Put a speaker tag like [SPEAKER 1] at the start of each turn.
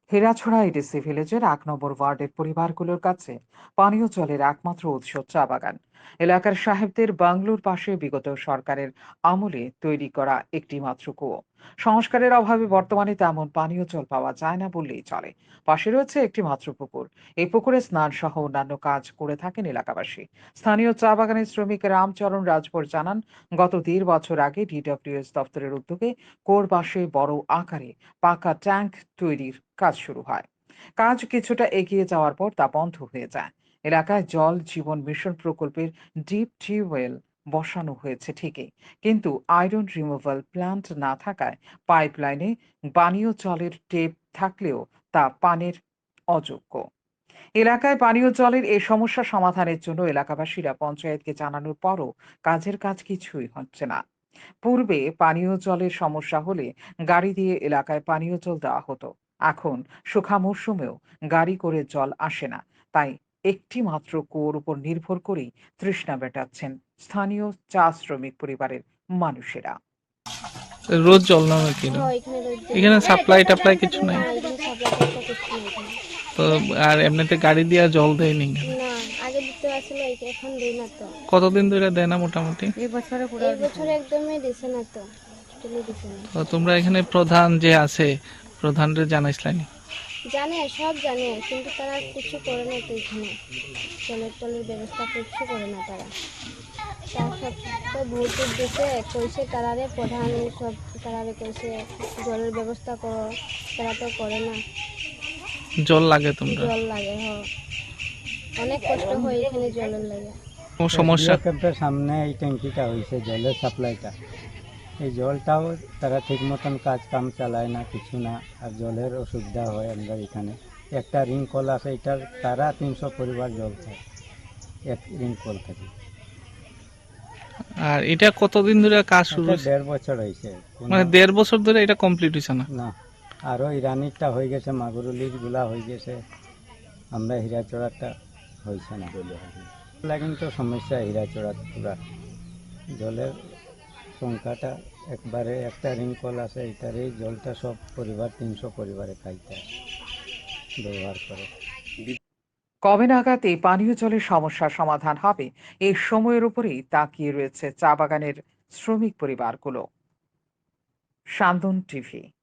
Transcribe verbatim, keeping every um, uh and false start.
[SPEAKER 1] হেরাছড়া ADC ভিলেজের এক নম্বর ওয়ার্ডের পরিবারগুলোর কাছে পানীয় জলের একমাত্র উৎস চা বাগান। এলাকার সাহেবদের বাংলোর পাশে বিগত সরকারের আমলে তৈরি করা একটি মাত্র কুয়ো। সংস্কারের অভাবে বর্তমানে তেমন পানীয় জল পাওয়া যায় না বললেই চলে। পাশে রয়েছে একটি মাত্র পুকুর। এই পুকুরে স্নান সহ অন্যান্য কাজ করে থাকেন এলাকাবাসী। স্থানীয় চা বাগানের শ্রমিক রামচরণ রাজভর জানান, গত দেড় বছর আগে ডিডব্লিউএস দপ্তরের উদ্যোগে কুয়োর পাশে বড় আকারে পাকা ট্যাঙ্ক তৈরির কাজ শুরু হয়। কাজ কিছুটা এগিয়ে যাওয়ার পর তা বন্ধ হয়ে যায়। এলাকায় জল জীবন মিশন প্রকল্পের ডিপ টিউবওয়েল বসানো হয়েছে ঠিকই, কিন্তু আয়রন রিমুভাল প্ল্যান্ট না থাকায় পাইপলাইনে পানীয় জলের টেপ থাকলেও তা পানের অযোগ্য। এলাকায় পানীয় জলের এই সমস্যা সমাধানের জন্য এলাকাবাসীরা পঞ্চায়েতকে জানানোর পরও কাজের কাজ কিছুই হচ্ছে না। পূর্বে পানীয় জলের সমস্যা হলে গাড়ি দিয়ে এলাকায় পানীয় জল দেওয়া হতো। এখন শুখা মরশুমেও গাড়ি করে জল আসে না। তাই একটি মাত্র কুয়োর উপর নির্ভর করেই তৃষ্ণা মেটাচ্ছেন স্থানীয় চা শ্রমিক পরিবারের মানুষেরা।
[SPEAKER 2] রোজ জল না নাকি?
[SPEAKER 3] হ্যাঁ, এখানে রোজ জল
[SPEAKER 2] এখানে
[SPEAKER 3] হয়।
[SPEAKER 2] সাপ্লাই টাপ্লাই কিছু নাই?
[SPEAKER 3] না, এখানে সাপ্লাই টাপ্লাই কিছু নেই এখানে।
[SPEAKER 2] তো আর এমনিতে গাড়ি দিয়া জল দেয়নি?
[SPEAKER 3] না, আগে দিতে আসলে এখন দেই না তো।
[SPEAKER 2] কতদিন ধরে দেয় না মোটামুটি?
[SPEAKER 3] এই বছরে এই বছর একদমই দিছে না তো, টোটালি দিছে না।
[SPEAKER 2] তো তোমরা এখানে প্রধান যে আছে প্রধানরে জানাইছিলাম?
[SPEAKER 3] জানে, সব জানে, কিন্তু তারা কিছু করে না তো এখানে। জলের টলের ব্যবস্থা কিছু করে না তারা। তার সব তো ভোট টোট দিছে, কইছে তারারে প্রধান সব তারারে কইছে জলের ব্যবস্থা করো, তারা তো করে না।
[SPEAKER 2] জল লাগে তোমরা?
[SPEAKER 3] জল লাগে, হ, অনেক কষ্ট হয় এখানে জলের লাগে।
[SPEAKER 2] কোনো সমস্যা?
[SPEAKER 4] ক্যাম্পের সামনে এই ট্যাঙ্কিটা হয়েছে জলের সাপ্লাইটা, এই জলটাও তারা ঠিক মতন কাজ কাম চালায় না, কিছু না। আর জলের অসুবিধা হয় আমরা এখানে। একটা রিং কল আছে, এটার তারা তিনশো পরিবার জল খায় এক রিং কল থেকে।
[SPEAKER 2] আর এটা কতদিন ধরে কাজ শুরু
[SPEAKER 4] এটা
[SPEAKER 2] হয়েছে?
[SPEAKER 4] দেড় বছর হয়েছে। কোনো-
[SPEAKER 2] মানে দেড় বছর ধরে এটা কমপ্লিট হয়েছে না?
[SPEAKER 4] না, আরও ইরানিরটা হয়ে গেছে, মাগুরুলির গুলা হয়ে গেছে, আমরা হীরাচড়াটা হয়েছে না। এগুলা কিন্তু সমস্যা হীরাচড়া পুরা জলের সংখ্যাটা একবারে। একটা রিং কল আছে, এটার এই জলটা সব পরিবার তিনশো পরিবারে খাইতে হয়, ব্যবহার করে।
[SPEAKER 1] কবে নাগাদ এই পানীয় জলের সমস্যার সমাধান হবে, এই সময়ের উপরেই তাকিয়ে রয়েছে চা বাগানের শ্রমিক পরিবারগুলো। সান্দন টিভি।